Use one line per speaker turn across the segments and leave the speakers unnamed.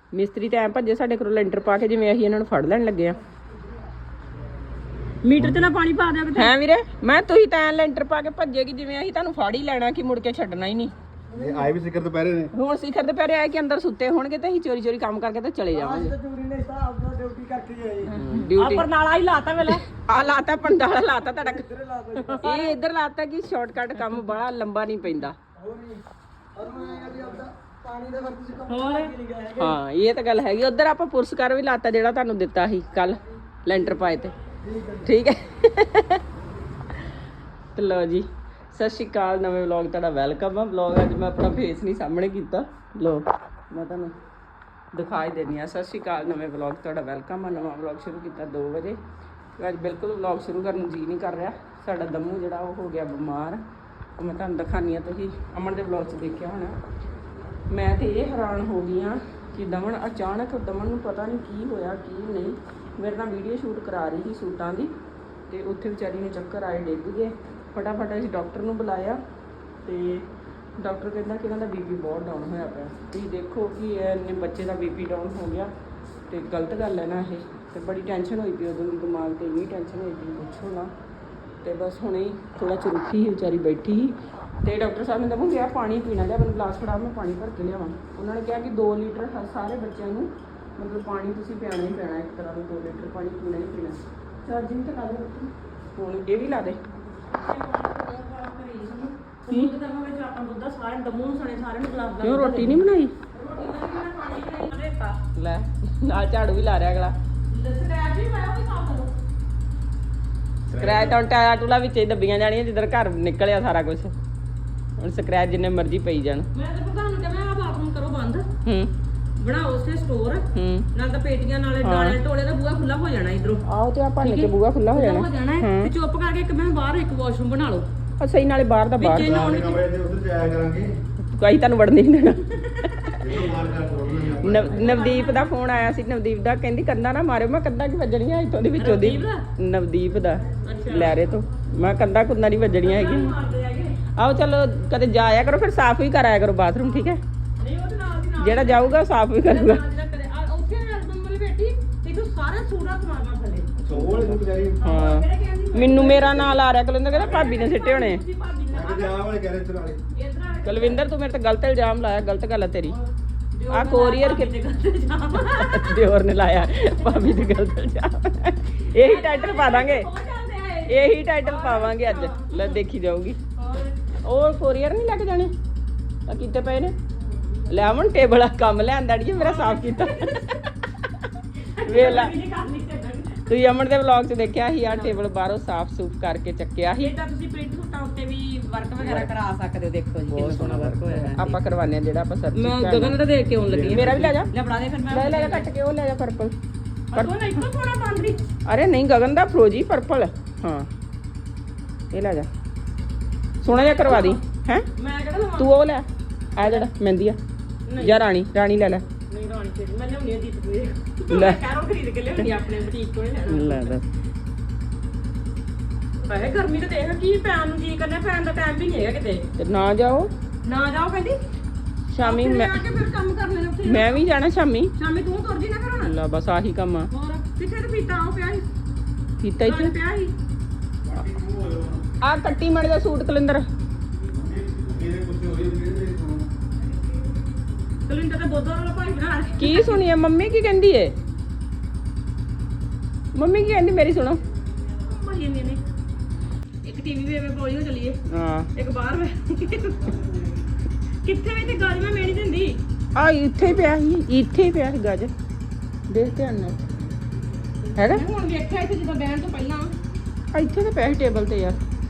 ਮਿਸਤਰੀ ਤਾਂ ਐਂ ਭੱਜੇ ਸਾਡੇ ਕੋਲ ਲੈਂਟਰ ਪਾ ਕੇ ਜਿਵੇਂ ਅਸੀਂ ਇਹਨਾਂ ਨੂੰ ਫੜ ਲੈਣ ਲੱਗੇ ਆ।
ਮੀਟਰ ਤੇ ਨਾ ਪਾਣੀ ਪਾ ਦਿਆ ਕਿਤੇ।
ਹੈ ਵੀਰੇ ਮੈਂ ਤੁਸੀਂ ਤਾਂ ਐਂ ਲੈਂਟਰ ਪਾ ਕੇ ਭੱਜੇਗੀ ਜਿਵੇਂ ਅਸੀਂ ਤੁਹਾਨੂੰ ਫੜ ਹੀ ਲੈਣਾ ਕਿ ਮੁੜ ਕੇ ਛੱਡਣਾ ਹੀ ਨਹੀਂ।
ਇਹ ਆਏ ਵੀ ਸਿਖਰ ਦੁਪਹਿਰੇ ਨੇ।
ਹੁਣ ਸਿਖਰ ਦੁਪਹਿਰੇ ਆਏ ਕਿ ਅੰਦਰ ਸੁੱਤੇ ਹੋਣਗੇ ਤੇ ਅਸੀਂ ਚੋਰੀ ਚੋਰੀ ਕੰਮ ਕਰਕੇ ਤੇ ਚਲੇ ਜਾਵਾਂਗੇ।
ਡਿਊਟੀ ਕਰਕੇ ਆਏ।
ਡਿਊਟੀ
ਪਰ ਨਾਲਾ ਹੀ ਲਾਤਾ ਵੇਲਾ।
ਆ ਲਾਤਾ ਪੰਡਾਲਾ ਲਾਤਾ ਤੁਹਾਡਾ। ਇਹ ਇੱਧਰ ਲਾਤਾ ਕਿ ਸ਼ਾਰਟਕਟ ਕੰਮ ਬੜਾ ਲੰਬਾ ਨਹੀਂ ਪੈਂਦਾ।
ਹੋਰ
ਹਾਂ ਇਹ ਤਾਂ ਗੱਲ ਹੈਗੀ। ਉਧਰ ਆਪਾਂ ਪੁਰਸਕਾਰ ਵੀ ਲਾਤਾ ਜਿਹੜਾ ਤੁਹਾਨੂੰ ਦਿੱਤਾ ਸੀ ਕੱਲ ਲੈਂਟਰ ਪਾਏ ਤੇ। ਠੀਕ ਹੈ ਤੇ ਲਓ ਜੀ ਸਤਿ ਸ਼੍ਰੀ ਅਕਾਲ। ਨਵੇਂ ਵਲੌਗ ਤੁਹਾਡਾ ਵੈਲਕਮ ਆ। ਵਲੌਗ ਅੱਜ ਮੈਂ ਆਪਣਾ ਫੇਸ ਨਹੀਂ ਸਾਹਮਣੇ ਕੀਤਾ। ਲੋ ਮੈਂ ਤੁਹਾਨੂੰ ਦਿਖਾਈ ਦੇਣੀ ਆ। ਸਤਿ ਸ਼੍ਰੀ ਅਕਾਲ। ਨਵੇਂ ਵਲੌਗ ਤੁਹਾਡਾ ਵੈਲਕਮ ਆ। ਨਵਾਂ ਵਲੌਗ ਸ਼ੁਰੂ ਕੀਤਾ 2 ਵਜੇ। ਅੱਜ ਬਿਲਕੁਲ ਵਲੌਗ ਸ਼ੁਰੂ ਕਰਨ ਨੂੰ ਜੀ ਨਹੀਂ ਕਰ ਰਿਹਾ। ਸਾਡਾ ਦਮੂ ਜਿਹੜਾ ਉਹ ਹੋ ਗਿਆ ਬਿਮਾਰ। ਉਹ ਮੈਂ ਤੁਹਾਨੂੰ ਦਿਖਾਉਂਦੀ ਆ। ਤੁਸੀਂ ਅਮਨ ਦੇ ਵਲੌਗ 'ਚ ਦੇਖਿਆ ਹੋਣਾ। ਮੈਂ ਤੇ ਇਹ ਹੈਰਾਨ ਹੋ ਗਈ ਹਾਂ ਕਿ ਦਮਨ ਅਚਾਨਕ ਦਮਨ ਨੂੰ ਪਤਾ ਨਹੀਂ ਕੀ ਹੋਇਆ ਕੀ ਨਹੀਂ। ਮੇਰੇ ਨਾਲ ਵੀਡੀਓ ਸ਼ੂਟ ਕਰਾ ਰਹੀ ਸੀ ਸੂਟਾਂ ਦੀ ਤੇ ਉੱਥੇ ਵਿਚਾਰੀ ਨੂੰ ਚੱਕਰ ਆਏ, ਡਿੱਗ ਗਏ। ਫਟਾਫਟ ਅਸੀਂ ਡਾਕਟਰ ਨੂੰ ਬੁਲਾਇਆ ਤੇ ਡਾਕਟਰ ਕਹਿੰਦਾ ਕਿ ਇਹਨਾਂ ਦਾ ਬੀਪੀ ਬਹੁਤ ਡਾਊਨ ਹੋਇਆ ਪਿਆ। ਤੁਸੀਂ ਦੇਖੋ ਕਿ ਇਹਨੇ ਬੱਚੇ ਦਾ ਬੀਪੀ ਡਾਊਨ ਹੋ ਗਿਆ ਤੇ ਗਲਤ ਗੱਲ ਹੈ ਨਾ ਇਹ। ਤੇ ਬੜੀ ਟੈਨਸ਼ਨ ਹੋਈ ਪਈ ਉਦੋਂ ਦੀ, ਦਿਮਾਗ ਤੇ ਇੰਨੀ ਟੈਨਸ਼ਨ ਹੋਈ ਪਈ ਪੁੱਛੋ ਨਾ। ਤੇ ਬਸ ਹੁਣੇ ਹੀ ਥੋੜਾ ਚੁਰੁੱਖੀ ਸੀ ਵਿਚਾਰੀ, ਬੈਠੀ ਸੀ ਤੇ ਡਾਕਟਰ ਸਾਹਿਬ ਨੇ ਦਮੂ ਕਿਹਾ ਪਾਣੀ ਪੀਣਾ ਲਿਆ। ਮੈਨੂੰ ਗਲਾਸ ਫੜਾ, ਮੈਂ ਪਾਣੀ ਭਰ ਕੇ ਲਿਆਵਾਂ। ਉਹਨਾਂ ਨੇ ਕਿਹਾ ਕਿ 2 ਲੀਟਰ ਸਾਰੇ ਬੱਚਿਆਂ ਨੂੰ ਮਤਲਬ ਪਾਣੀ ਤੁਸੀਂ ਪਿਆਣਾ ਹੀ ਪੈਣਾ। ਇੱਕ ਤਰ੍ਹਾਂ ਦਾ 2 ਲੀਟਰ ਪਾਣੀ ਪੀਣਾ ਹੀ ਪੀਣਾ। ਚਾਰਜਿੰਗ ਤਾਂ ਲਾ ਦੇ ਹੁਣ, ਇਹ ਵੀ ਲਾ ਦੇ।
ਕੀ ਕਰਨਾ ਵਿੱਚ ਆਪਾਂ ਦੁੱਧ ਸਾਰੇ ਦਮੂ ਨੂੰ ਸਣੇ ਸਾਰੇ ਨੂੰ ਗਲਾਸ
ਕਿਉਂ ਰੋਟੀ ਨਹੀਂ ਬਣਾਈ?
ਦਾ
ਲੈ ਨਾਲ ਝਾੜੂ ਵੀ ਲਾ ਰਿਹਾ ਅਗਲਾ।
ਸਕ੍ਰੈਚ ਵੀ ਮੈਂ ਉਹ ਵੀ ਸਾਫ ਕਰੋ।
ਸਕ੍ਰੈਚ ਤਾਂ ਟਾਇਆ ਟੂਲਾ ਵਿੱਚ ਹੀ ਦੱਬੀਆਂ ਜਾਣੀਆਂ ਜਿੱਧਰ ਘਰ ਨਿਕਲਿਆ ਸਾਰਾ ਕੁਝ। ਹੁਣ ਸਕ੍ਰੈਚ ਜਿੰਨੇ ਮਰਜ਼ੀ ਪਈ ਜਾਣ।
ਮੈਂ ਤਾਂ ਪ੍ਰਧਾਨ ਨੂੰ ਕਹਿੰਦਾ ਆ ਬਾਥਰੂਮ ਕਰੋ ਬੰਦ,
ਹੂੰ
ਬਣਾਓ ਉਸੇ ਸਟੋਰ ਨਾਲ ਤਾਂ ਪੇਟੀਆਂ ਨਾਲੇ ਡਾਲੇ ਟੋਲੇ ਦਾ ਬੂਹਾ ਖੁੱਲਾ ਹੋ ਜਾਣਾ ਇਧਰੋਂ।
ਆਓ ਤੇ ਆਪਾਂ ਨਿੱਕੇ ਬੂਹਾ ਖੁੱਲਾ ਹੋ ਜਾਣਾ।
ਤੇ ਚੁੱਪ ਕਰਕੇ ਇੱਕ ਮੈਂ ਬਾਹਰ ਇੱਕ ਵਾਸ਼ਰੂਮ ਬਣਾ ਲਓ।
ਆ ਸਹੀ ਨਾਲੇ ਬਾਹਰ ਦਾ ਬਾਹਰ।
ਕਮਰੇ ਦੇ ਉੱਧਰ ਜਾਇਆ ਕਰਾਂਗੇ।
ਕੋਈ ਤੁਹਾਨੂੰ ਵੜਨ ਨਹੀਂ ਦੇਣਾ।
ਇਹਨੂੰ ਮਾਰ ਕਰ ਛੋੜਨਾ।
ਨਵਦੀਪ ਦਾ ਫੋਨ ਆਇਆ ਸੀ। ਨਵਦੀਪ ਦਾ ਕਹਿੰਦੀ ਕੰਧਾਂ ਨਾ ਮਾਰਿਓ। ਮੈਂ ਕੰਧਾਂ ਕੀ ਵੱਜਣੀਆਂ ਇੱਥੋਂ ਦੀ ਵਿੱਚੋਂ ਦੀ। ਨਵਦੀਪ ਦਾ ਲੈਰੇ ਤੋਂ। ਮੈਂ ਕੰਧਾਂ ਕੁੰਧਾਂ ਨਹੀਂ ਵੱਜਣੀਆਂ ਹੈਗੀਆਂ। ਆਓ ਚਲੋ ਕਦੇ ਜਾਇਆ ਕਰੋ ਫਿਰ ਸਾਫ਼ ਵੀ ਕਰਾਇਆ ਕਰੋ ਬਾਥਰੂਮ। ਠੀਕ ਹੈ
ਨਹੀਂ ਉਹ ਤੇ ਨਾਲ ਦੀ ਨਾਲ
ਜਿਹੜਾ ਜਾਊਗਾ ਸਾਫ਼ ਵੀ ਕਰੂਗਾ।
ਉੱਥੇ ਐਲਬਮ ਵਾਲੀ ਬੈਠੀ ਤੇ ਤੂੰ ਸਾਰਾ ਸੂੜਾ ਸਮਾਰਨਾ ਥੱਲੇ।
ਸੋਹਣੇ ਨੂੰ ਵਿਚਾਰੀ।
ਹਾਂ ਮੈਨੂੰ ਮੇਰਾ ਨਾਂ ਲਾ ਰਿਹਾ ਕੁਲਵਿੰਦਰ, ਕਹਿੰਦਾ ਭਾਬੀ ਨੇ ਸਿੱਟੇ ਹੋਣੇ।
ਤੁਸੀਂ ਭਾਬੀ ਨੇ
ਮੈਂ ਕਿਹਾ ਵਾਲੇ ਗੈਰੇਜ ਵਾਲੇ।
ਇਧਰ
ਕੁਲਵਿੰਦਰ ਤੂੰ ਮੇਰੇ ਤੇ ਗਲਤ ਇਲਜ਼ਾਮ ਲਾਇਆ। ਗਲਤ ਗੱਲ ਹੈ ਤੇਰੀ। ਆ ਕੋਰੀਅਰ ਕਿਤੇ
ਜਾਮ
ਦਿਓਰ ਨੇ ਲਾਇਆ ਭਾਬੀ ਦੇ ਗਲਤ ਇਲਜ਼ਾਮ। ਇਹੀ ਟਾਈਟਲ ਪਾ ਦਾਂਗੇ।
ਹੋ ਜਾਂਦੇ ਆਏ।
ਇਹੀ ਟਾਈਟਲ ਪਾਵਾਂਗੇ ਅੱਜ। ਲੈ ਦੇਖੀ ਜਾਊਗੀ। ਉਹ ਕੋਰੀਅਰ ਨਹੀਂ ਲੈ ਕੇ ਜਾਣੇ ਆ ਕਿਤੇ ਪਏ ਨੇ। ਲੈ ਆਵਣ ਟੇਬਲ ਆ ਕੰਮ ਲਿਆਂਦਾ ਅੜੀਏ ਮੇਰਾ ਸਾਫ਼ ਕੀਤਾ। ਵੇਖ ਲੈ ਤੁਸੀਂ ਅਮਨ ਦੇ ਵਲੌਗ 'ਚ ਦੇਖਿਆ ਸੀ ਆ ਟੇਬਲ ਬਾਹਰੋਂ ਸਾਫ਼ ਸੂਫ ਕਰਕੇ ਚੱਕਿਆ ਸੀ।
ਇਹ ਤਾਂ ਤੁਸੀਂ ਪ੍ਰਿੰਟ ਸੂਟਾਂ ਉੱਤੇ ਵੀ ਵਰਕ ਵਗੈਰਾ ਕਰਾ ਸਕਦੇ ਹੋ। ਦੇਖੋ ਜੀ ਕਿੰਨਾ ਸੋਹਣਾ ਵਰਕ ਹੋਇਆ ਹੈ।
ਆਪਾਂ ਕਰਵਾਉਂਦੇ ਆ ਜਿਹੜਾ ਆਪਾਂ ਸਰਚ
ਮੈਂ ਗਗਨ ਦਾ ਦੇਖ ਕੇ ਆਉਣ ਲੱਗੀ
ਮੇਰਾ ਵੀ ਲੈ ਜਾ।
ਲੈ ਫੜਾ ਦੇ ਫਿਰ ਮੈਂ
ਲੈ ਲੈ ਕੱਟ ਕੇ ਉਹ ਲੈ ਜਾ ਪਰਪਲ।
ਪਰ ਉਹ ਇੱਕੋ ਥੋੜਾ ਬਾਂਦਰੀ।
ਅਰੇ ਨਹੀਂ ਗਗਨ ਦਾ ਫਰੋਜੀ ਪਰਪਲ। ਹਾਂ ਇਹ ਲੈ ਜਾ ਸੋਹਣਾ ਜਿਹਾ ਕਰਵਾ ਦੀ ਹੈ।
ਮੈਂ ਕਿਹੜਾ ਲਵਾਂ?
ਤੂੰ ਉਹ ਲੈ ਆ ਜਿਹੜਾ ਮਹਿੰਦੀ ਆ ਜਾਂ ਰਾਣੀ ਲੈ ਲੈ।
ਨਹੀਂ ਰਾਣੀ ਤੇ ਮੈਂ ਲਿਆਉਣੀ ਆ ਦੀਪ ਕੋਲ।
ਲੈ।
ਮੈਂ ਕੈਰੋ ਖਰੀਦ ਕੇ ਲਿਆਉਣੀ ਆ ਆਪਣੇ ਬੁਟੀਕ ਕੋਲ ਲੈਣਾ।
ਲੈ ਦੱਸ।
ਵੈਸੇ ਗਰਮੀ ਤੇ ਦੇਖ ਕੀ ਪੈਣ ਨੂੰ ਜੀ ਕਰਨਾ। ਪੈਣ ਦਾ ਟਾਈਮ ਵੀ ਨਹੀਂ ਹੈਗਾ ਕਿਤੇ।
ਤੇ ਨਾ ਜਾਓ
ਨਾ ਜਾਓ ਕਹਿੰਦੀ
ਸ਼ਾਮੀ। ਮੈਂ
ਆ ਕੇ ਫਿਰ ਕੰਮ ਕਰ ਲੈਣਾ ਉੱਥੇ।
ਮੈਂ ਵੀ ਜਾਣਾ ਸ਼ਾਮੀ।
ਸ਼ਾਮੀ ਤੂੰ ਤੁਰ ਜੀ ਨਾ ਘਰੋਂ।
ਲੈ ਬਸ ਆਹੀ ਕੰਮ ਆ।
ਹੋਰ ਕਿੱਥੇ ਤੇ ਪੀਤਾ ਉਹ ਪਿਆ ਸੀ।
ਕੀਤਾ ਇੱਥੇ
ਪਿਆ ਸੀ।
ਆ ਕੱਟੀ ਮੜ ਦਾ ਸੂਟ ਕਲਿੰਦਰ।
ਮੇਰੇ ਕੁਝ ਹੋਈ ਮੇਰੇ ਸੁਣੋ।
ਕਲਿੰਦਰ ਤੇ ਬੋਦਰ ਵਾਲਾ ਭਾਈ ਬਣਾ ਰਿਹਾ।
ਕੀ ਸੁਣੀਏ ਮੰਮੀ ਕੀ ਕਹਿੰਦੀ ਏ? ਮੰਮੀ ਕੀ ਕਹਿੰਦੀ ਮੇਰੀ ਸੁਣੋ।
ਭਾਈ ਨੇ ਇੱਕ ਟੀਵੀ ਵੇ ਬੋਲੀ ਹੋ ਚਲੀਏ।
ਹਾਂ
ਇੱਕ ਬਾਹਰ ਵੇ ਕਿੱਥੇ ਵੀ ਤੇ ਗੱਜ ਮੈਂ ਮੇਣੀ ਦਿੰਦੀ।
ਆ ਇੱਥੇ ਹੀ ਪਿਆ ਸੀ। ਇੱਥੇ ਹੀ ਪਿਆ ਸੀ ਗੱਜ। ਦੇਖ ਧਿਆਨ ਨਾਲ ਹੈਗਾ।
ਮੈਂ ਹੁਣ ਵੇਖਿਆ ਇੱਥੇ ਜਦੋਂ ਬਹਿਣ ਤੋਂ ਪਹਿਲਾਂ।
ਆ ਇੱਥੇ ਤੇ ਪਿਆ ਸੀ ਟੇਬਲ ਤੇ ਯਾਰ।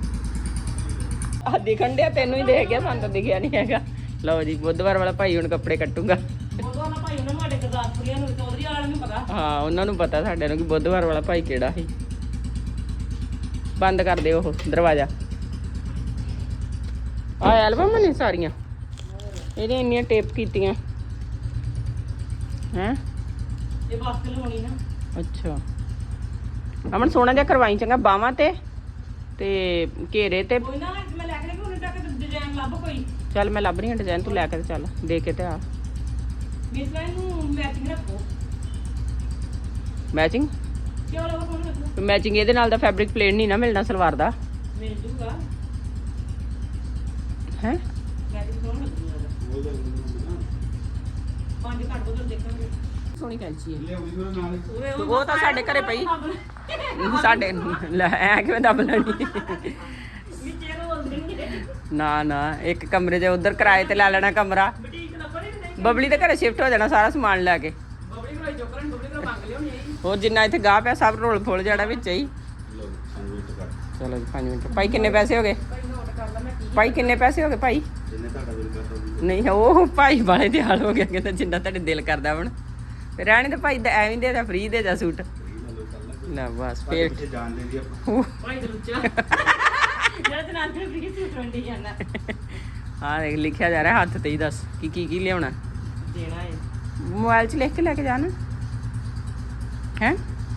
ਆ ਦਿਖਣ ਡਿਆ ਤੈਨੂੰ ਹੀ ਦੇਖ ਗਿਆ, ਸਾਨੂੰ ਤਾਂ ਦਿਖਿਆ ਨਹੀਂ ਹੈਗਾ। ਲਓ ਜੀ ਬੁੱਧਵਾਰ ਵਾਲਾ ਭਾਈ ਹੁਣ ਕੱਪੜੇ ਕੱਟੂਗਾ।
ਬੋਦਰ ਵਾਲਾ ਭਾਈ ਉਹਨਾਂ ਨੂੰ ਸਾਡੇ ਗੁਰਦਾਸਪੁਰੀਆਂ ਨੂੰ ਚੌਧਰੀ ਵਾਲਿਆਂ ਨੂੰ ਪਤਾ।
ਹਾਂ ਉਹਨਾਂ ਨੂੰ ਪਤਾ ਸਾਡੇ ਨੂੰ ਕਿ ਬੁੱਧਵਾਰ ਵਾਲਾ ਭਾਈ ਕਿਹੜਾ ਸੀ। ਬੰਦ ਕਰ ਦਿਓ ਉਹ ਦਰਵਾਜ਼ਾ। ਆ ਐਲਬਮ ਨੇ ਸਾਰੀਆਂ ਇਹਦੇ ਇੰਨੀਆਂ ਟੇਪ ਕੀਤੀਆਂ ਹੈ।
ਇਹ ਵਾਸਤੇ ਲਵਾਉਣੀ ਨਾ।
ਅੱਛਾ ਅਮਨ ਸੋਹਣਾ ਜਿਹਾ ਕਰਵਾਈ ਚੰਗਾ ਬਾਹਾਂ ਤੇ ਘੇਰੇ ਤੇ।
ਕੋਈ ਨਾ ਮੈਂ ਲੈ ਕੇ ਨਹੀਂ ਉਹਨੇ ਤੱਕ ਡਿਜ਼ਾਈਨ ਲੱਭ ਕੋਈ।
ਚੱਲ ਮੈਂ ਲੱਭ ਰਹੀ ਹਾਂ ਡਿਜ਼ਾਈਨ। ਤੂੰ ਲੈ ਕੇ ਤੇ ਚੱਲ ਦੇ ਕੇ ਤੇ ਆ।
ਇਸ ਲਾਈਨ ਨੂੰ ਮੈਚਿੰਗ ਰੱਖੋ
ਮੈਚਿੰਗ
ਕਿਉਂ ਲੋਕ ਕੋਣ ਰੱਖੋ
ਮੈਚਿੰਗ ਇਹਦੇ ਨਾਲ ਦਾ ਫੈਬਰਿਕ ਪਲੇਨ ਨਹੀਂ ਨਾ ਮਿਲਣਾ ਸਲਵਾਰ ਦਾ
ਮਿਲ ਜੂਗਾ
ਹੈ
ਮੈਚਿੰਗ ਕੋਣ ਰੱਖੂਗਾ ਪੰਜ ਘੱਟ ਬੋਲ ਦੇਖਾਂਗੇ
ਸੋਹਣੀ ਕੈਂਚੀ ਹੈ
ਲੈ ਉਹਦੀ ਨਾਲ
ਉਰੇ
ਉਹ ਤਾਂ ਸਾਡੇ ਘਰੇ ਪਈ ਸਾਡੇ ਲੈ ਐ ਕਿਵੇਂ ਦੱਬ ਲੈਣੀ
ਵਿੱਚੇ ਰੋਲ ਦੇਣਗੇ
ਨਾ ਇੱਕ ਕਮਰੇ 'ਚ ਉਧਰ ਕਿਰਾਏ ਤੇ ਲੈ ਲੈਣਾ ਕਮਰਾ
ਬੁਟੀਕ ਦਾ ਬੜੇ ਨਹੀਂ
ਬਬਲੀ ਦੇ ਘਰੇ ਸ਼ਿਫਟ ਹੋ ਜਾਣਾ ਸਾਰਾ ਸਮਾਨ ਲੈ ਕੇ
ਬਬੜੀ ਕੋਲ ਚੋਕਰਨ ਬਬੜੀ ਕੋਲ ਮੰਗ ਲਿਓ ਨਹੀਂ
ਹੋਰ ਜਿੰਨਾ ਇੱਥੇ ਗਾਹ ਪਿਆ ਸਭ ਰੋਲ ਫੁੱਲ ਜਾਣਾ ਵਿੱਚ ਹੀ
ਲੋ ਸੰਗੀਤ ਕਰ
ਚਲੋ ਜੀ 5 ਮਿੰਟ ਭਾਈ ਕਿੰਨੇ ਪੈਸੇ ਹੋ ਗਏ
ਭਾਈ ਨੋਟ ਕਰ ਲਾ ਮੈਂ ਕੀ
ਭਾਈ ਕਿੰਨੇ ਪੈਸੇ ਹੋ ਗਏ ਭਾਈ
ਜਿੰਨੇ ਤੁਹਾਡਾ ਦਿਲ ਕਰਦਾ
ਨਹੀਂ ਉਹ ਭਾਈ ਵਾਲੇ ਦੇ ਹਾਲ ਹੋ ਗਿਆ ਕਹਿੰਦਾ ਜਿੰਨਾ ਤੁਹਾਡੇ ਦਿਲ ਕਰਦਾ ਹੁਣ ਤੇ ਰਹਿਣੇ ਤੇ ਭਾਈ ਦਾ ਐਵੇਂ ਦੇ ਦਾ ਫ੍ਰੀ ਦੇ ਜਾ ਸੂਟ ਨਾ ਬਸ ਫੇਰ
ਪਿੱਛੇ ਜਾਣ ਦੇਂਦੀ ਆਪਾਂ
ਭਾਈ ਦੇ ਲੁੱਚਾ ਜਿਹੜਾ ਤੇ ਨਾਲ ਫਿਰ ਕੀ ਸੂਟ ਵੰਡੀ ਜਾਂਦਾ
ਹਾਂ ਦੇਖ ਲਿਖਿਆ ਜਾ ਰਿਹਾ ਹੱਥ ਤੇ ਹੀ ਦੱਸ ਕੀ ਲਿਆਉਣਾ
ਦੇਣਾ ਹੈ
ਮੋਬਾਈਲ 'ਚ ਲਿਖ ਕੇ ਲੈ ਕੇ ਜਾਣਾ ਹੈ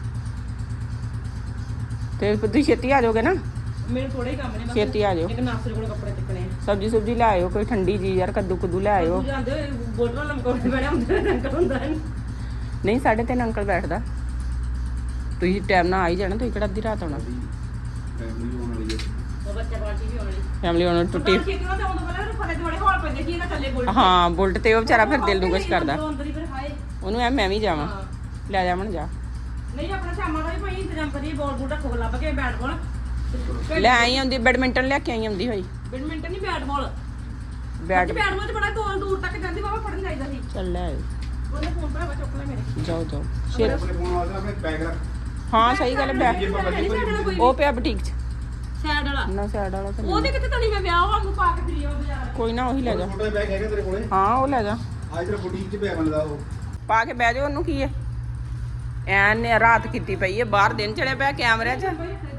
ਤੇ ਤੁਸੀਂ ਛੇਤੀ ਆ ਜਾਓਗੇ ਨਾ
ਮੈਨੂੰ ਥੋੜੇ ਹੀ ਕੰਮ ਨੇ ਬਸ
ਛੇਤੀ ਆ ਜਾਓ
ਇੱਕ ਨਾਸਰ ਕੋਲ ਕੱਪੜੇ ਚੱਕਣੇ ਆ
ਸਬਜੀ ਸੁਬਜੀ ਲੈ ਆਇਓ ਕੋਈ ਠੰਡੀ ਜੀ ਯਾਰ ਕੱਦੂ ਲੈ ਆਇਓ
ਜਾਂਦੇ ਹੋਏ ਬੋਟਲਾਂ ਲਮਕਾਉਣੇ ਬੜਾ ਹੁੰਦਾ ਅੰਕਲ ਹੁੰਦਾ ਨਹੀਂ
ਨਹੀਂ 3:30 ਅੰਕਲ ਬੈਠਦਾ ਤੁਸੀਂ ਟਾਈਮ ਨਾਲ ਆ ਹੀ ਜਾਣਾ ਤੁਸੀਂ ਕਿਹੜਾ ਅੱਧੀ ਰਾਤ ਆਉਣਾ
ਫੈਮਿਲੀ ਹੋਣ ਵਾਲੀ ਹੈ
ਉਹ ਬੱਚਾ ਪਾਰਟੀ ਵੀ ਆਉਣੀ
ਫੈਮਿਲੀ ਹੁਣ ਟੁੱਟੀ
ਖੇਤੀ ਨਾਲ ਤਾਂ ਉਦੋਂ ਪਹਿਲਾਂ ਉਹਨੂੰ ਫਰੇ ਥੋੜੇ ਹੌਲ ਪੈਂਦੇ ਕੀ ਇਹਦਾ ਥੱਲੇ ਬੋਲ
ਹਾਂ ਬੁਲਟ ਤੇ ਉਹ ਵਿਚਾਰਾ ਫਿਰ ਦਿਲ ਨੂੰ ਕੁਛ ਕਰਦਾ
ਅੰਦਰ ਹੀ ਫਿਰ ਹਾਏ
ਉਹਨੂੰ ਐ ਮੈਂ ਵੀ ਜਾਵਾਂ
ਹਾਂ।
ਲੈ ਜਾਵਣ ਜਾ
ਨਹੀਂ ਆਪਣਾ ਸ਼ਾਮਾਂ ਦਾ ਵੀ ਭਾਈ ਇੰਤਜ਼ਾਮ ਕਰੀਏ ਬਾਲ ਬੂਟ ਰੱਖੋ ਲੱਭ ਕੇ ਬੈਟ ਬਾਲ
ਲੈ ਆਈ ਆਉਂਦੀ ਬੈਡਮਿੰਟਨ ਲੈ ਕੇ ਆਈ ਆਉਂਦੀ ਹੋਈ
ਬੈਡਮਿੰਟਨ ਨਹੀਂ bat ball
bat
bat ball ਚ ਬੜਾ ਗੋਲ ਦੂਰ ਤੱਕ ਜਾਂਦੀ ਬਾਬਾ ਫੜਨ ਚਾਹੀਦਾ ਸੀ
ਚੱਲ ਲੈ ਆਇਓ।
ਉਹਨੇ ਫੋਨ ਭਰਾਵਾ ਚੁੱਕ ਲੈ ਮੇਰੇ
ਜਾਓ ਛੇਤੀ
ਆਪਣੇ ਫੋਨ ਵਾਸਤੇ ਆਪਣੇ ਬੈਗ ਰੱਖ
ਹਾਂ ਸਹੀ ਗੱਲ ਹੈ
ਜੇ ਆਪਾਂ ਬੱਜੀ ਕੋਈ
ਉਹ ਪਿਆ ਬੁਟੀਕ 'ਚ
ਸਾਈਡ ਵਾਲਾ
ਨਾ ਸਾਈਡ ਵਾਲਾ ਤਾਂ ਨਹੀਂ।
ਉਹਦੇ ਕਿਤੇ ਤਣੀ ਮੈਂ ਵਿਆਹ ਵਾਂਗੂ ਪਾ ਕੇ ਫਿਰੀ ਉਹ ਬਾਜ਼ਾਰ
ਕੋਈ ਨਾ ਉਹੀ ਲੈ ਜਾ
ਛੋਟਾ ਬੈਗ ਹੈਗਾ ਤੇਰੇ ਕੋਲੇ
ਹਾਂ ਉਹ ਲੈ ਜਾ
ਅੱਜ ਤੇਰਾ ਬੁਟੀਕ 'ਚ ਪਿਆ ਬਣਦਾ ਉਹ
ਪਾ ਕੇ ਬਹਿ ਜਾਓ ਉਹਨੂੰ ਕੀ ਹੈ ਐਨ ਨੇ ਰਾਤ ਕੀਤੀ ਪਈ ਹੈ ਬਾਹਰ ਦਿਨ ਚੜਿਆ ਪਿਆ ਕੈਮਰਿਆਂ 'ਚ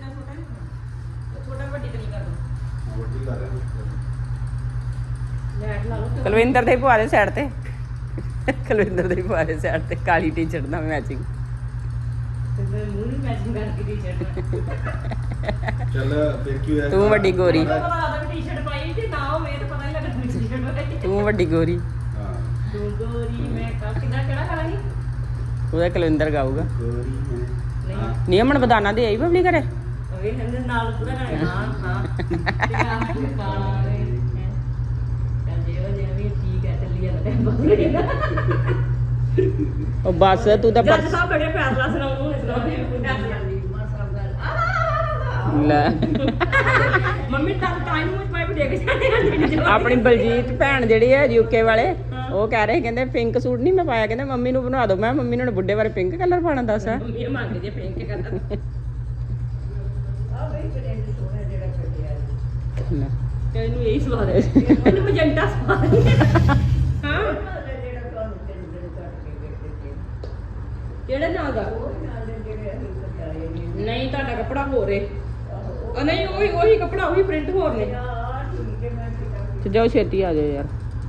ਛੋਟਾ ਵੱਡੀ ਤਰੀ ਕਰ ਦੋ
ਵੱਡੀ ਕਰ ਰਿਹਾ
ਲੈਟ ਲਾ ਲਓ
ਕੁਲਵਿੰਦਰ ਦੇ ਪੁਆਰੇ ਸਾਈਡ ਤੇ ਕੁਲਵਿੰਦਰ ਦੇ ਪੁਆਰੇ ਸਾਈਡ ਤੇ ਕਾਲੀ ਟੀ-ਸ਼ਰਟ ਨਾਲ ਮੈਚਿੰਗ
ਤੇ ਮੂੰਹ ਨਹੀਂ ਮੈਚਿੰਗ ਕਰਕੇ ਟੀ-ਸ਼ਰਟ
ਚੱਲ ਫਿਰ ਕੀ ਹੋਇਆ
ਤੂੰ ਵੱਡੀ ਗੋਰੀ
ਪਤਾ ਲੱਗਦਾ ਵੀ ਟੀ-ਸ਼ਰਟ ਪਾਈ ਤੇ ਨਾ ਹੋਵੇ ਤਾਂ ਪਤਾ ਨਹੀਂ ਲੱਗਦਾ ਵੀ ਟੀ-ਸ਼ਰਟ ਪਾਈ
ਤੂੰ ਵੱਡੀ ਗੋਰੀ
ਹਾਂ
ਤੂੰ ਗੋਰੀ ਮੈਂ ਕਿਹੜਾ ਕਰਾਂਗੀ
ਉਹਦਾ ਕੁਲਵਿੰਦਰ ਗਾਊਗਾ
ਗੋਰੀ
ਨਹੀਂ
ਨਹੀਂ ਅਮਨ ਬਦਾਨਾ ਦੇ ਆਈ ਬਬਲੀ ਘਰੇ
ਉਹ ਕਹਿੰਦੇ ਨਾਲ ਪੂਰਾ ਕਰਾਂਗੇ ਹਾਂ ਤੇ ਆ ਕਾਲਾ ਰੇ ਚੱਲ ਜੇ ਉਹ ਜਿਵੇਂ ਠੀਕ ਹੈ ਚੱਲੀ ਜਾਂਦਾ
ਉਹ ਬਸ ਤੂੰ ਤਾਂ
ਜੱਜ ਸਾਹਿਬ ਬੜੇ ਫੈਸਲਾ ਸੁਣਾਉਂ
ਲੈ
ਮੰਮੀ ਤਾਂ ਟਾਈਮ ਵਿੱਚ ਮੈਂ ਵੀ ਦੇਖ ਜਾਂਦੀ ਹਾਂ
ਆਪਣੀ ਬਲਜੀਤ ਭੈਣ ਜਿਹੜੀ ਹੈ ਯੂਕੇ ਵਾਲੇ ਉਹ ਕਹਿ ਰਹੇ ਕਹਿੰਦੇ ਪਿੰਕ ਸੂਟ ਨਹੀਂ ਮੈਂ ਪਾਇਆ ਕਹਿੰਦੇ ਮੰਮੀ ਨੂੰ ਬਣਾ ਦਿਓ ਮੈਂ ਮੰਮੀ ਨੂੰ ਬੁੱਢੇ ਬਾਰੇ ਪਿੰਕ ਕਲਰ ਪਾਣਾ ਦੱਸ
ਮੰਮੀ ਮੰਗ ਜੇ ਪਿੰਕ ਕਰਦਾ ਆ ਬਈ ਪ੍ਰਿੰਟ ਸੋਹਣਾ ਜਿਹੜਾ ਕੱਢਿਆ ਤੇ ਇਹਨੂੰ ਇਹੀ ਸਵਾਦ ਹੈ ਇਹਨੂੰ ਮਜੰਟਾ ਸਵਾਦ ਹਾਂ ਕਿਹੜੇ ਨਾਂ ਦਾ ਨਹੀਂ ਤੁਹਾਡਾ ਕੱਪੜਾ ਹੋਰ ਏ ਨਹੀਂ ਉਹੀ ਕੱਪੜਾ ਉਹੀ ਪ੍ਰਿੰਟ ਹੋਰ ਨੇ
ਤੇ ਜਾਓ ਛੇਤੀ ਆ ਜਾਓ ਯਾਰ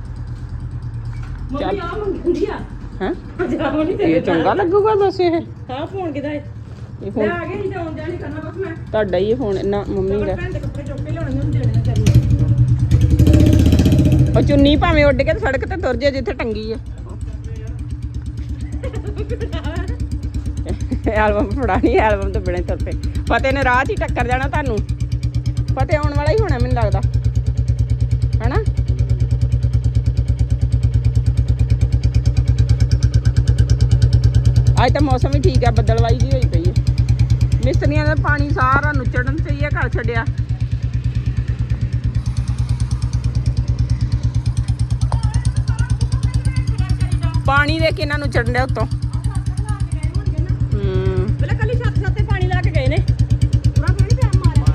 ਮੰਮੀ ਆ ਮੰਗਦੀ ਆ
ਹੈਂ
ਜਾਓ ਨਹੀਂ
ਇਹ ਚੰਗਾ ਲੱਗੂਗਾ ਦੱਸ ਇਹ
ਹਾਂ ਫੋਨ ਕਿਦਾ ਏ
ਇਹ
ਮੈਂ
ਫੋਨ
ਆ ਗਿਆ ਨਹੀਂ ਤਾਂ ਆਉਣ ਜਾਣੀ ਕਰਨਾ ਬਸ ਮੈਂ
ਤੁਹਾਡਾ ਹੀ ਇਹ ਫੋਨ ਨਾ ਮੰਮੀ ਦਾ
ਭੈਣ ਦੇ ਕੱਪੜੇ ਚੁੱਕ ਕੇ ਲਿਆਉਣੇ ਉਹਨੂੰ ਦੇਣੇ ਨਾ ਕਰਨੇ
ਉਹ ਚੁੰਨੀ ਭਾਵੇਂ ਉੱਡ ਕੇ ਤੇ ਸੜਕ ਤੇ ਤੁਰ ਜੇ ਜਿੱਥੇ ਟੰਗੀ ਹੈ ਐਲਬਮ ਫੜਾਣੀ ਐਲਬਮ ਤੋਂ ਬਿਨਾਂ ਤੁਰ ਪਏ ਫਤਿਹ ਨੇ ਰਾਹ 'ਚ ਹੀ ਟੱਕਰ ਜਾਣਾ ਤੁਹਾਨੂੰ ਫਤਿਹ ਆਉਣ ਵਾਲਾ ਹੀ ਹੋਣਾ ਮੈਨੂੰ ਲੱਗਦਾ ਹਨਾ ਅੱਜ ਤਾਂ ਮੌਸਮ ਵੀ ਠੀਕ ਹੈ ਬੱਦਲਵਾਈ ਜੀ ਹੋਈ ਪਈ ਹੈ ਮਿਸਤਰੀਆਂ ਦਾ ਪਾਣੀ ਸਾਰਾ ਨੁੱਚੜਨ ਤੇ ਹੀ ਹੈ ਘਰ ਛੱਡਿਆ ਪਾਣੀ ਦੇ ਕੇ ਇਹਨਾਂ ਨੂੰ ਚੜਨ ਡਿਆ ਉੱਤੋਂ
ਪਹਿਲਾਂ ਕੱਲੀ ਛੱਤ ਤੇ ਪਾਣੀ ਲਾ ਕੇ ਗਏ ਨੇ ਪੂਰਾ ਪਾਣੀ ਪਿਆ ਮਾਰਿਆ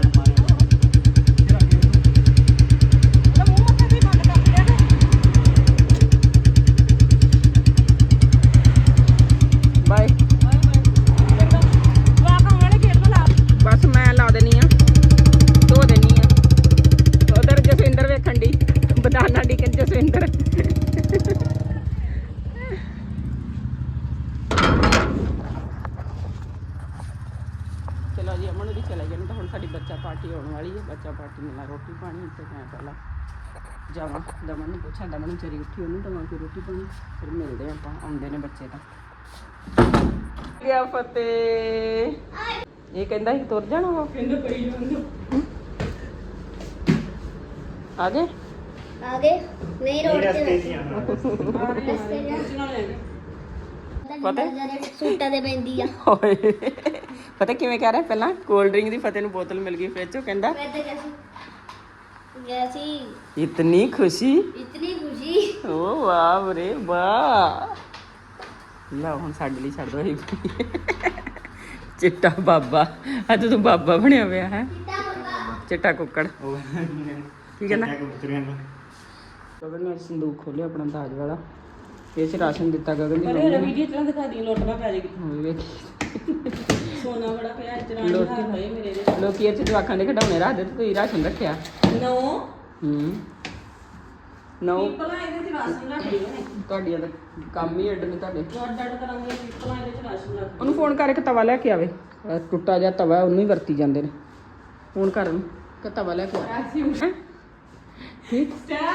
ਉਹਦਾ ਮੂੰਹ ਮੱਥਾ ਵੀ ਬੰਦ ਕਰ ਲਿਆ
ਬਾਏ
ਵਾਹ ਵਾਲੇ ਖੇਡ ਲਾ
ਬਸ ਮੈਂ ਲਾ ਦੇਣੀ ਆ ਧੋ ਦੇਣੀ ਆ ਉਧਰ ਜਸਵਿੰਦਰ ਵੇਖਣ ਦੀ ਬਦਾਨਾ ਡਿਕਨ ਜਸਵਿੰਦਰ ਚਲੋ ਜੀ ਅਮਨ ਵੀ ਚਲੇ ਗਏ ਨੇ ਤਾਂ ਹੁਣ ਸਾਡੀ ਬੱਚਾ ਪਾਰਟੀ ਆਉਣ ਵਾਲੀ ਹੈ ਬੱਚਾ ਪਾਰਟੀ ਨਾਲ ਰੋਟੀ ਪਾਣੀ ਤੇ ਮੈਂ ਪਹਿਲਾਂ ਜਾਵਾਂ ਦਮਨ ਨੂੰ ਪੁੱਛਾਂ, ਦਮਨ ਵਿਚਾਰੀ ਉੱਠੀ ਉਹਨੂੰ ਦਵਾਂ ਕੋਈ ਰੋਟੀ ਪਾਣੀ, ਫਿਰ ਮਿਲਦੇ ਆਪਾਂ, ਆਉਂਦੇ ਨੇ ਬੱਚੇ ਤਾਂ। ਗਿਆ ਫਤਿਹ, ਇਹ ਕਹਿੰਦਾ ਸੀ ਤੁਰ ਜਾਣਾ ਵਾ,
ਕਹਿੰਦਾ ਪਈ ਜਾਂਦੇ
ਆ ਗਏ
आगे नहीं रोड पे
ਪਤਾ
सूटा दे पैंदी आ
ਓਏ ਪਤਾ ਕਿਵੇਂ ਕਹਿ ਰਿਹਾ ਪਹਿਲਾਂ ਕੋਲਡ ਡਰਿੰਕ ਦੀ ਫਤਿਹ ਨੂੰ ਬੋਤਲ ਮਿਲ ਗਈ ਫ੍ਰਿਜ ਚੋਂ, ਕਹਿੰਦਾ
मैं तो कैसी
ਇਤਨੀ ਖੁਸ਼ੀ,
इतनी खुशी
ਓ ਵਾਹ ਰੇ ਵਾਹ। ਲਓ ਹੁਣ ਸਾਡੇ ਲਈ ਛੱਡ ਦੋ ਇਹ ਚਿੱਟਾ ਬਾਬਾ, ਅੱਜ ਤੂੰ ਬਾਬਾ ਬਣਿਆ ਪਿਆ ਹੈ, ਚਿੱਟਾ ਕੁੱਕੜ। ਕੀ ਕਹਿੰਦਾ ਗਗਨ ਨੇ ਸੰਦੂਕ ਖੋਲਿਆ ਆਪਣਾ ਦਾਜ ਵਾਲਾ, ਇਹ ਚ ਰਾਸ਼ਨ ਦਿੱਤਾ ਗਗਨ ਦੀ
ਪਰ
ਮੰਮੀ
ਇਹ
ਨੇ।
ਵੀਡੀਓ ਚਲਾ ਦਿਖਾ ਦੀ, ਲੋਟਣਾ ਪੈ ਜਾਏਗੀ।
ਹੁਣ ਵੇਖੀ
ਸੋਨਾ ਬੜਾ ਪਿਆ ਚਰਾਣੀ ਹੱਥ ਹੋਏ ਮੇਰੇ ਦੇ।
ਲੋਕੀ ਇਹ ਚ ਜਵਾਕਾਂ ਦੇ ਖਿਡੌਣੇ ਰੱਖਦੇ ਤੇ ਤੁਸੀਂ ਰਾਸ਼ਨ ਰੱਖਿਆ।
ਨੋ
ਨੋ
ਪੀਪਲਾਂ ਇਹਦੇ ਚ ਰਾਸ਼ਨ ਰੱਖਦੇ ਨੇ,
ਤੁਹਾਡੀਆਂ ਦਾ ਕੰਮ ਹੀ ਅੱਡ ਨੇ ਤੁਹਾਡੇ।
ਡੱਡ ਡੱਡ ਕਰਾਂਗੇ ਪੀਪਲਾਂ ਇਹਦੇ ਚ ਰਾਸ਼ਨ ਰੱਖਦੇ।
ਉਹਨੂੰ ਫੋਨ ਕਰਕੇ ਤਵਾ ਲੈ ਕੇ ਆਵੇ, ਟੁੱਟਾ ਜਿਹਾ ਤਵਾ ਉਹਨੂੰ ਹੀ ਵਰਤੀ ਜਾਂਦੇ ਨੇ। ਫੋਨ ਕਰ ਉਹਨੂੰ ਕਿ ਤਵਾ ਲੈ ਕੇ ਆ। ਠੀਕ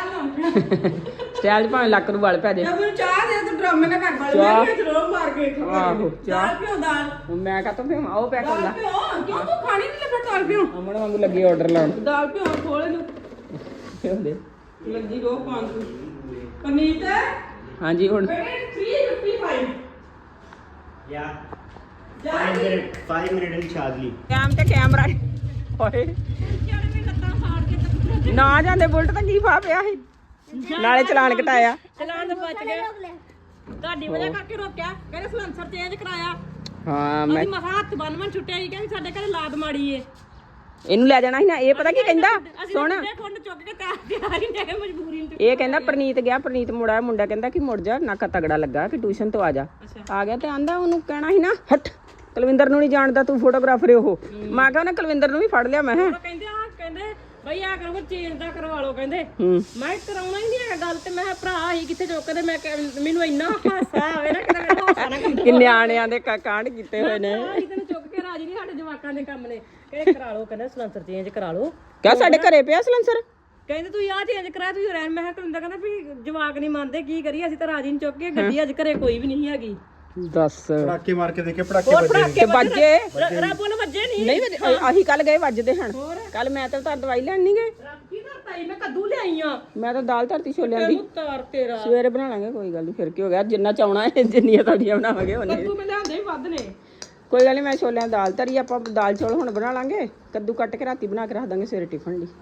ਸਟਾਈਲ ਭਾਵੇਂ ਲੱਕ ਨੂੰ ਵਲ ਪੈ ਜੇ।
ਮੈਨੂੰ ਚਾਹ ਦੇ, ਤੂੰ ਡਰਾਮੇ ਨਾ ਕਰ ਬਾਲੇ,
ਚਾਹ?
ਮੈਂ ਜਰੂਰ ਮਾਰ ਕੇ ਖਾਵਾਂਗੀ।
ਆਹੋ, ਚਾਹ।
ਦਾਲ ਪਿਓ ਦਾਲ,
ਹੁਣ ਮੈਂ ਕਹਤਾ ਫੇ ਆਓ ਪਿਆ ਕਰ ਲਾ।
ਦਾਲ ਪਿਓ ਕਿਉਂ ਤੂੰ ਖਾਣੀ ਨਹੀਂ ਲੱਗਾ? ਦਾਲ ਪਿਓ,
ਅਮਨ ਵਾਂਗੂ ਲੱਗੀ ਆਰਡਰ ਲਾਉਣ।
ਦਾਲ ਪਿਓ ਖੋਲ ਇਹਨੂੰ,
ਹੁੰਦੇ
ਲੱਗੀ ਰੋ ਪਾਣ ਤੂੰ। ਪਨੀਤ
ਹਾਂਜੀ ਹੁਣ
ਬੇਟੇ 355
Yeah.
ਜਾ
5 minute in Chadli.
ਕੈਮ ਤੇ ਕੈਮਰਾ ਓਏ
ਵੀ ਲੱਤਾਂ ਸਾੜ ਕੇ ਤੱਕ
ਨਾ ਜਾਂਦੇ ਬੁਲਟ ਤਾਂ ਕੀ ਫਾ ਪਿਆ ਸੀ, ਨਾਲੇ ਚਲਾਨ ਘਟਾਇਆ।
ਚਲਾਨ ਤੋਂ ਬਚ ਗਏ। ਤੁਹਾਡੀ ਵਜ੍ਹਾ ਕਰਕੇ ਰੋਕਿਆ, ਕਹਿੰਦੇ ਸਲੈਂਸਰ ਚੇਂਜ ਕਰਾਇਆ।
ਹਾਂ ਮੈਂ
ਅਸੀਂ ਮਸਾ ਹੱਥ ਬੰਨ੍ਹਣ ਛੁੱਟਿਆ ਸੀ, ਕਹਿੰਦੇ ਸਾਡੇ ਘਰੇ ਲਾਦ ਮਾੜੀ ਏ।
ਇਹਨੂੰ ਲੈ ਜਾਣਾ ਸੀ ਨਾ, ਇਹ ਪਤਾ ਕੀ ਕਹਿੰਦਾ ਸੁਣ,
ਅਸੀਂ ਖੁੰਡ ਚੁੱਕ ਕੇ ਤਿਆਰ ਹੀ ਨਹੀਂ ਮਜਬੂਰੀ ਨੂੰ।
ਇਹ ਕਹਿੰਦਾ ਪ੍ਰਨੀਤ ਗਿਆ, ਪ੍ਰਨੀਤ ਮੁੜਾ, ਮੁੰਡਾ ਕਹਿੰਦਾ ਕਿ ਮੁੜ ਜਾ, ਨਾਕਾ ਤਗੜਾ ਲੱਗਾ ਕਿ ਟਿਊਸ਼ਨ ਤੋਂ ਆ ਜਾ। ਆ ਗਿਆ ਤੇ ਆਂਦਾ ਉਹਨੂੰ ਕਹਿਣਾ ਸੀ ਨਾ ਹਟ, ਕੁਲਵਿੰਦਰ ਨੂੰ ਨਹੀਂ ਜਾਣਦਾ ਤੂੰ ਫੋਟੋਗ੍ਰਾਫਰ ਉਹ। ਮੈਂ ਕਿਹਾ ਉਹਨੇ ਕੁਲਵਿੰਦਰ ਨੂੰ ਵੀ ਫੜ ਲਿਆ। ਮੈਂ ਕਿਹਾ
ਕਹਿੰਦੇ ਆ, ਕਹਿੰਦੇ ਬਈ ਆ ਕਰੋ ਚੇਂਜ ਦਾ ਕਰਵਾ ਲਓ। ਕਹਿੰਦੇ
ਹੂੰ
ਮੈਂ ਕਰਾਉਣਾ ਹੀ ਨਹੀਂ ਹੈਗਾ ਗੱਲ, ਤੇ ਮੈਂ ਕਿਹਾ ਭਰਾ ਹੀ ਕਿੱਥੇ ਚੁੱਕਦੇ। ਮੈਂ ਮੈਨੂੰ ਇੰਨਾ ਹਾਸਾ ਆਵੇ ਨਾ, ਕਿਤੇ ਮੇਰਾ ਹਾਸਾ ਨਾ ਕੰਮ
ਕਿ ਨਿਆਣਿਆਂ ਦੇ ਕਾਂਡ ਕੀਤੇ ਹੋਏ ਨੇ।
ਅਸੀਂ ਤੈਨੂੰ ਚੁੱਕ ਕੇ ਰਾਜੀ ਨਹੀਂ, ਸਾਡੇ ਜਵਾਕਾਂ ਦੇ ਕੰਮ ਨੇ। ਕਹਿੰਦੇ ਕਰਾ ਲਓ, ਕਹਿੰਦੇ ਸਲੈਂਸਰ ਚੇਂਜ ਕਰਾ ਲਓ।
ਕਿਆ ਸਾਡੇ ਘਰੇ ਪਿਆ ਸਲੈਂਸਰ?
ਕਹਿੰਦੇ ਤੂੰ ਆਹ ਚੇਂਜ ਕਰਾ, ਤੂੰ ਰਹਿਣ। ਮੈਂ ਕਿਹਾ ਕੁਲਿੰਦਰ ਕਹਿੰਦਾ ਵੀ ਜਵਾਕ ਨਹੀਂ ਮੰਨਦੇ, ਕੀ ਕਰੀਏ, ਅਸੀਂ ਤਾਂ ਰਾਜੀ ਨਹੀਂ ਚੁੱਕ ਕੇ। ਗੱਡੀ ਅੱਜ ਘਰੇ ਕੋਈ ਵੀ ਨਹੀਂ ਹੈਗੀ।
ਦੱਸ
ਪੜਾਕੇ ਮਾਰ ਕੇ ਦੇਖੇ, ਪੜਾਕੇ
ਹੋਰ
ਵੱਜੇ
ਪੜਾਕੇ
ਵੱਜੇ
ਰੱਬ ਵੱਲੋਂ ਵੱਜੇ ਨਹੀਂ।
ਨਹੀਂ ਵੱਜੇ, ਆਹੀ ਕੱਲ ਗਏ ਵੱਜਦੇ ਹਨ। ਕੱਲ ਮੈਂ ਤਾਂ ਤਾਂ ਦਵਾਈ ਲੈਣ ਨਹੀਂ ਗਏ,
ਰੱਬ ਕੀ ਕਰਤਾ ਈ, ਮੈਂ ਕੱਦੂ ਲਿਆਈ ਆ।
ਮੈਂ ਤਾਂ ਦਾਲ ਧਰਤੀ ਛੋਲਿਆਂ ਦੀ।
ਤਾਰ ਤੇਰਾ
ਸਵੇਰੇ ਬਣਾ ਲਾਂਗੇ, ਕੋਈ ਗੱਲ ਨਹੀਂ। ਫਿਰ ਕੀ ਹੋ ਗਿਆ, ਜਿੰਨਾ ਚਾਉਣਾ ਹੈ ਜਿੰਨੀਆਂ ਤੁਹਾਡੀਆਂ ਬਣਾਵਾਂਗੇ ਉਹਨੇ।
ਕੱਦੂ ਮੈਂ ਲਿਆਂਦੇ ਹੀ ਵੱਧ ਨੇ।
ਕੋਈ ਗੱਲ ਨਹੀਂ, ਮੈਂ ਛੋਲਿਆਂ ਦੀ ਦਾਲ ਧਰੀ, ਆਪਾਂ ਦਾਲ ਚੌਲ ਹੁਣ ਬਣਾ ਲਾਂਗੇ। ਕੱਦੂ ਕੱਟ ਕੇ ਰਾਤੀ ਬਣਾ ਕੇ ਰੱਖ ਦਾਂਗੇ ਸਵੇਰੇ ਟਿਫਨ ਲਈ।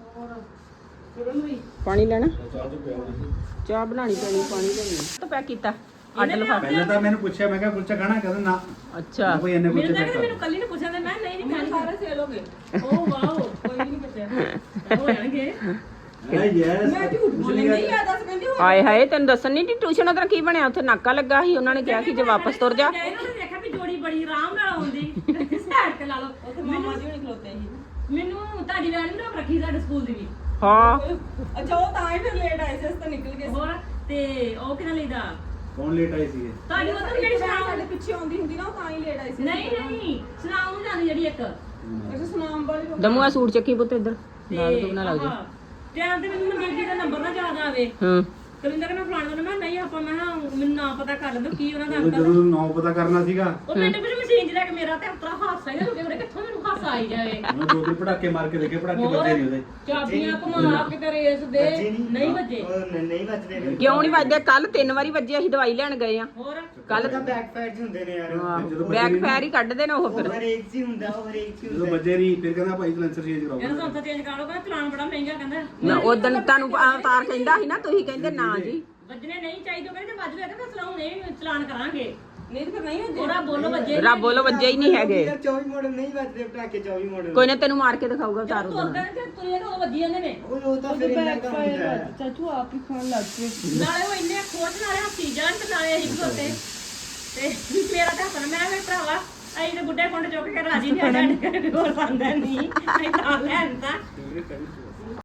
ਪਾਣੀ ਲੈਣਾ, ਚਾਹ ਬਣਾਣੀ ਪੈਣੀ, ਪਾਣੀ ਲੈਣੀ ਤਾਂ ਪੈਕ ਕੀਤਾ ਅੱਡ ਲਫਾਫੇ।
ਪਹਿਲਾਂ ਤਾਂ ਮੈਨੂੰ ਪੁੱਛਿਆ, ਮੈਂ ਕਿਹਾ ਕੁਲਚਾ ਖਾਣਾ, ਕਹਿੰਦਾ ਨਾ।
ਅੱਛਾ
ਕੋਈ ਇੰਨੇ ਕੁਲਚੇ ਪੈਕ ਕਰ।
ਮੈਨੂੰ ਕੱਲੀ ਨੇ ਪੁੱਛਿਆ, ਤੇ ਮੈਂ ਨਹੀਂ ਖਾਣੇ, ਸਾਰੇ ਸੇਲ ਹੋ ਗਏ। ਓ ਵਾਓ, ਕੋਈ ਨਹੀਂ ਪੁੱਛਿਆ ਹੋ ਜਾਣਗੇ।
ਯੈਸ
ਮੈਂ ਝੂਠ ਬੋਲੀ ਨਹੀਂ ਆ, ਦੱਸ ਕਹਿੰਦੀ ਹੋ
ਹਾਏ ਹਾਏ, ਤੈਨੂੰ ਦੱਸਣ ਨਹੀਂ ਟਿਊਸ਼ਨ ਉਧਰ ਕੀ ਬਣਿਆ, ਉੱਥੇ ਨਾਕਾ ਲੱਗਾ ਸੀ। ਉਹਨਾਂ ਨੇ ਕਿਹਾ ਕਿ ਜੇ ਵਾਪਸ ਤੁਰ ਜਾ।
ਇਹਨਾਂ ਨੇ ਦੇਖਿਆ ਵੀ ਜੋੜੀ ਬੜੀ ਆਰਾਮ ਨਾਲ ਆਉਂਦੀ, ਸਾਈਡ ਤੇ ਲਾ ਲਓ। ਉੱਥੇ ਮਾਮਾ ਜੀ ਹੁਣੀ ਖਲੋਤੇ ਸੀ। ਮੈਨੂੰ ਤੁਹਾਡੀ ਵੈਨ ਵੀ ਰੱਖੀ ਸਾਡੇ ਸਕੂਲ ਦੀ ਵੀ।
ਹਾਂ
ਅੱਛਾ, ਉਹ ਤਾਂ ਹੀ ਫਿਰ ਲੇਟ ਆਏ ਸੀ, ਅਸੀਂ ਤਾਂ ਨਿਕਲ ਗਏ। ਹੋਰ ਤੇ ਉਹ ਕਿਹਨਾਂ ਲਈਦਾ?
ਕੌਣ ਲੇਟ ਆਈ ਸੀ?
ਤੁਹਾਡੀ ਉਧਰ ਜਿਹੜੀ ਸੁਨਾਮ ਸਾਡੇ ਪਿੱਛੇ ਆਉਂਦੀ ਹੁੰਦੀ ਨਾ, ਉਹ ਤਾਂ ਹੀ ਲੇਟ ਆਈ ਸੀ। ਨਹੀਂ ਨਹੀਂ, ਸੁਨਾਮ ਨੂੰ ਜਾਂਦੀ ਜਿਹੜੀ ਇੱਕ। ਅੱਛਾ, ਸੁਨਾਮ ਵਾਲੀ।
ਦਮੂਆ ਸੂਟ ਚੱਕੀ ਪੁੱਤ ਇੱਧਰ ਨਾਲ ਤੋਂ ਨਾ ਲੱਗ ਜਾ।
ਟਾਈਮ ਤੇ ਮੈਨੂੰ ਮਨਜੀਤ ਜੀ ਦਾ ਨੰਬਰ ਨਾ ਯਾਦ ਆਵੇ।
ਹੂੰ
ਕਲਿੰਦਰ ਕਹਿੰਦਾ ਫਲਾਣਾ ਦਾ, ਮੈਂ ਨਹੀਂ ਆਪਾਂ, ਮੈਂ ਕਿਹਾ ਮੈਨੂੰ ਨਾ ਪਤਾ ਕਰ ਲੈਂਦਾ ਕੀ ਉਹਨਾਂ ਦਾ
ਜਦੋਂ
ਅੰਕਲ।
ਜਦੋਂ ਨਾਮ ਪਤਾ ਕਰਨਾ ਸੀਗਾ,
ਉਹ ਮਿੰਟ ਵਿੱਚ ਮਸ਼ੀਨ 'ਚ ਲੈ ਕੇ ਮੇਰਾ ਤੇ ਉਤਰਾ ਹਾਸਾ ਹੀ ਨਾ ਰੁਕੇ, ਮੇਰੇ ਕਿੱਥੋਂ ਮੈਨੂੰ ਹਾਸਾ ਆਈ ਜਾਵੇ।
ਮੈਂ ਦੋ ਤਿੰਨ ਪੜਾਕੇ ਮਾਰ ਕੇ ਦੇਖੇ, ਪੜਾਕੇ ਵੱਜੇ ਨਹੀਂ ਉਹਦੇ।
ਚਾਬੀਆਂ ਘੁਮਾ ਕੇ ਰੇਸ ਦੇ ਨਹੀਂ ਵੱਜੇ।
ਨਹੀਂ ਵੱਜਦੇ ਫਿਰ।
ਕਿਉਂ ਨਹੀਂ ਵੱਜਦੇ? ਕੱਲ 3 ਵਾਰੀ ਵੱਜੇ, ਅਸੀਂ ਦਵਾਈ ਲੈਣ ਗਏ ਆ
ਹੋਰ
ਕੱਲ।
ਤਾਂ ਬੈਕ ਫੈਟਸ ਹੁੰਦੇ ਨੇ ਯਾਰ।
ਬੈਕ ਫੈਰ ਹੀ ਕੱਢਦੇ ਨੇ ਉਹ
ਉਹ
ਫਿਰ।
ਹਰੇਕ ਚ ਹੀ ਹੁੰਦਾ, ਉਹ ਹਰੇਕ ਚ ਹੀ
ਜਦੋਂ
ਹੁੰਦਾ।
ਵੱਜੇ ਨਹੀਂ, ਫਿਰ ਕਹਿੰਦਾ ਭਾਈ ਸਲੈਂਸਰ ਚੇਂਜ ਕਰਾਓ।
ਕਹਿੰਦਾ ਸੰਸਾ ਚੇਂਜ ਕਰਾ ਲਓ, ਕਹਿੰਦਾ ਚਲਾਨ ਬੜਾ ਮਹਿੰਗਾ। ਕਹਿੰਦਾ
ਨਾ ਉਦੋਂ ਤੁਹਾਨੂੰ ਅਵਤਾਰ ਕਹਿੰਦਾ ਸੀ ਨਾ, ਤੁਸੀਂ ਕਹਿੰਦੇ ਨਾ ਜੀ
ਵੱਜਣੇ ਨਹੀਂ ਚਾਹੀਦੇ। ਕਹਿੰਦੇ ਵੱਜ ਗਏ ਤਾਂ ਚਲਾਉ ਨਹੀਂ, ਚਲਾਨ ਕਰਾਂਗੇ। ਨਹੀਂ ਤੇ ਫਿਰ ਨਹੀਂ ਵੱਜੇ। ਥੋੜਾ ਬੋਲੋ ਵੱਜੇ।
ਰੱਬ ਵੱਲੋਂ ਵੱਜੇ ਹੀ ਨਹੀਂ ਹੈਗੇ।
24 ਮਾਡਲ ਨਹੀਂ ਵੱਜਦੇ ਪਟਾਕੇ, 24 ਮਾਡਲ।
ਕੋਈ ਨਾ ਤੈਨੂੰ ਮਾਰ ਕੇ ਦਿਖਾਊਗਾ ਉਤਾਰ
ਤੁਰ
ਉਹਦਾ।
ਗਏ ਤੇ ਤੁਰੇ ਤਾਂ ਵੱਜੀ ਜਾਂਦੇ ਨੇ।
ਉਹ ਤਾਂ ਫਿਰ ਇੰਨਾ ਕੰਮ ਹੁੰਦਾ ਹੈ।
ਚਾਚੂ ਆਪ ਹੀ ਖਾਣ ਲੱਗ ਪਏ। ਨਾਲੇ ਉਹ ਇੰਨੇ ਖੋਜ ਨਾਲੇ ਹੱਸੀ ਜਾਣ ਤੇ ਨਾਲੇ ਅਸੀਂ ਖੋਤੇ ਤੇ ਮੇਰਾ ਤਾਂ ਹੱਸਣਾ। ਮੈਂ ਵੀ ਭਰਾਵਾ ਅਸੀਂ ਤੇ ਬੁੱਢੇ ਕੁੰਡ ਚੁੱਕ ਕੇ ਰਾਜੀ ਨਹੀਂ ਆ, ਸਾਡੇ ਕੋਲ ਸੰਦਾ ਨਹੀਂ ਅਸੀਂ ਤਾਂ ਲੈਣ ਤਾਂ